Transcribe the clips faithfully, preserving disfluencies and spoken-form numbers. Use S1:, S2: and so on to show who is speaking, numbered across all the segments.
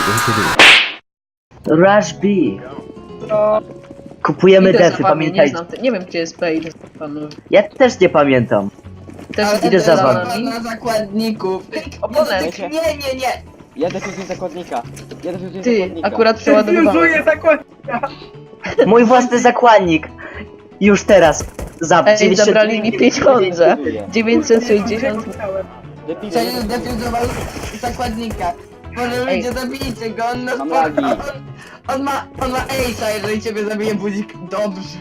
S1: Rush B.
S2: No,
S1: Kupujemy
S3: Idę za
S1: defy,
S3: wami, nie
S1: pamiętajcie.
S3: znam, te- nie wiem gdzie jest B, idę za panu.
S1: Ja też nie pamiętam.
S3: Też
S2: ale
S1: idę za
S2: to
S1: wami.
S2: na- na zakładników.
S3: Oponent.
S2: Nie, nie, nie.
S4: Ja defuzuję zakładnika. Ja defuzuję
S3: Ty,
S4: zakładnika.
S3: akurat przeładowywałem.
S2: Defuzuję zakład.
S1: Mój własny zakładnik. Już teraz. Za
S3: Ej,
S1: dziewięćdziesiąt
S3: zabrali mi pieniądze. dziewięćset sześćdziesiąt.
S4: Defuzuję.
S2: Przecież defuzował zakładnika. Może
S3: Ej.
S2: ludzie zabijcie go, on nas
S4: Mam
S2: po-
S4: lagi.
S2: on, on ma, on ma ace'a, jeżeli ciebie zabije budzik. Dobrze.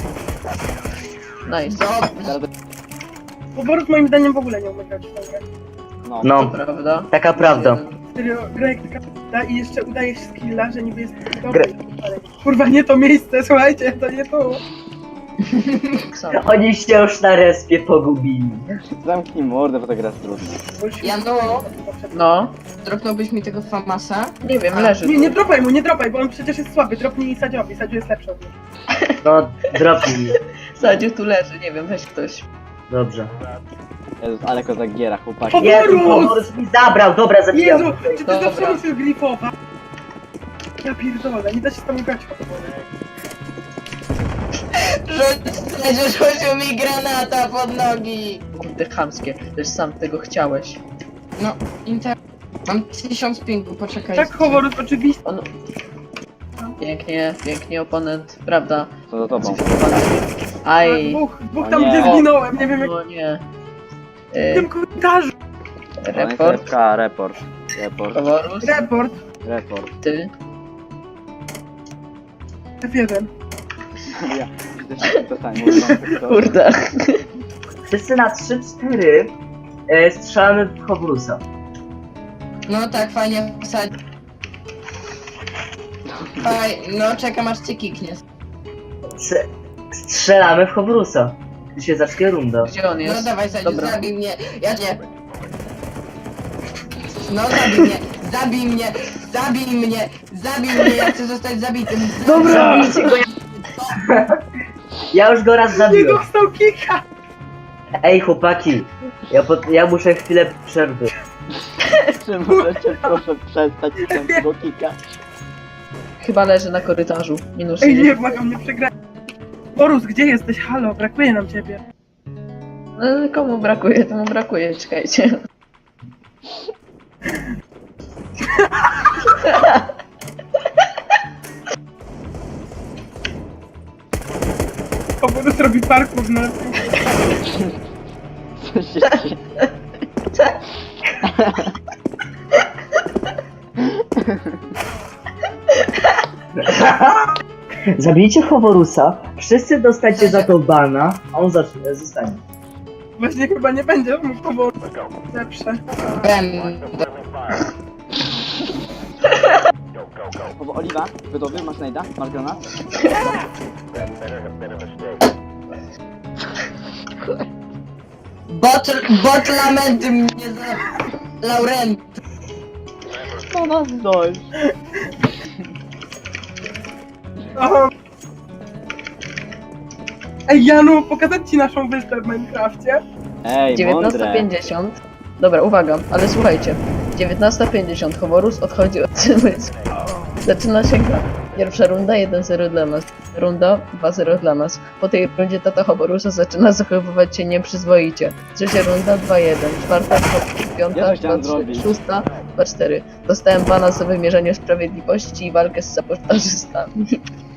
S3: Nice.
S2: Dobrze.
S4: Zaraz-
S5: Boborus moim zdaniem w ogóle nie umie grać w tę grę.
S4: No.
S1: No,
S3: Prawda?
S1: taka prawda.
S5: Serio, gra jak taka da i jeszcze udaje się skilla, że niby jest dobry. Ale kurwa, nie to miejsce, słuchajcie, to nie to.
S3: Sam.
S1: Oni się już na respie pogubili.
S4: Zamknij mordę, bo ta gra jest trudna.
S5: Bo już-
S2: Ja no,
S3: No,
S2: dropnąłbyś mi tego Famasa?
S3: nie wiem, leży.
S5: Nie, nie dropaj mu, nie dropaj, bo on przecież jest słaby. Dropnij Sadziowi, Sadziu jest lepszy od niego.
S1: No, dropnij.
S3: Sadziu tu leży, nie wiem, weź ktoś.
S1: Dobrze.
S4: Jezus, ale kozak giera, chłopaki.
S5: Poborus!
S1: Jezu, Boborus mi zabrał, dobra, zabijam.
S5: Jezu, czy ty
S3: Dobra.
S5: zawsze musisz glifować? Ja pierdolę, nie da się z tobą grać.
S2: Rzuć, rzucił mi granata pod nogi.
S3: Kurde, chamskie, też sam tego chciałeś.
S2: No, inter... Mam tysiąc pingu, poczekaj.
S5: Tak, Hovorus, oczywiście.
S3: On... Pięknie, pięknie, oponent, prawda?
S4: Co za tobą?
S3: Cyfrowany. Aj,
S5: Dwóch, dwóch
S4: O
S5: tam
S4: nie.
S5: gdzie zginąłem, nie wiem jak
S3: no nie.
S5: w
S3: Y,
S5: tym komentarzu.
S3: report,
S4: Report. Report.
S3: Favorus,
S5: Report,
S4: Report.
S3: ty.
S5: F jeden.
S4: Ja. To samo, mówię, to-
S3: Kurde.
S1: Wszyscy na trzy cztery e, strzelamy w Hoborusa.
S2: No tak, fajnie wsadzi. Faj, no czekam aż cię kiknie.
S1: Strze- Strzelamy w Hoborusa. Gdy się zacznie runda.
S3: Gdzie on
S2: No
S3: jest?
S2: dawaj, Sadziu,
S3: Dobra.
S2: zabij mnie, ja cię. No zabij mnie, zabij mnie, zabij mnie, zabij mnie, ja chcę zostać zabitym.
S1: Dobra! Zabijcie go, ja... ja już go raz
S5: Nie
S1: zabiłem.
S5: dostał kika!
S1: Ej chłopaki, ja, po, ja muszę chwilę przerwy.
S4: Czy możecie proszę przestać tego kika?
S3: Chyba leży na korytarzu. Minus
S5: Ej, nie,
S3: sześć.
S5: błagam, nie przegraj. Borus, gdzie jesteś? Halo, brakuje nam ciebie.
S3: No, komu brakuje, temu brakuje, czekajcie.
S5: O, Borus robi parkour na...
S4: Co się dzieje?
S1: Zabijcie Hoborusa, wszyscy dostajcie za to bana, a on zacznie, zostanie.
S5: Właśnie chyba nie będzie mógł powoli. Lepsze.
S2: Będę.
S4: O, Oliwa, gotowy? Masz najda? Masz granat?
S2: Bot, bot lamenty mnie za... Laurent.
S4: No nas dość.
S5: Aha. Ej, Janu, pokazać ci naszą wyspę w Minecrafcie?
S4: Ej,
S3: dziewiętnasta
S4: mądre.
S3: pięćdziesiąt. Dobra, uwaga, ale słuchajcie. dziewiętnasta pięćdziesiąt, Hovorus odchodzi od zmysłu. Zaczyna się gra. Pierwsza runda jeden zero dla nas. Runda dwa zero dla nas. Po tej rundzie tata Hovorusa zaczyna zachowywać się nieprzyzwoicie. Trzecia runda dwa jeden. Czwarta,
S4: Ja
S3: piąta,
S4: to chciałem
S3: dwa trzy,
S4: zrobić.
S3: szósta, dwa cztery. Dostałem bana za wymierzenie sprawiedliwości i walkę z sabotażystami.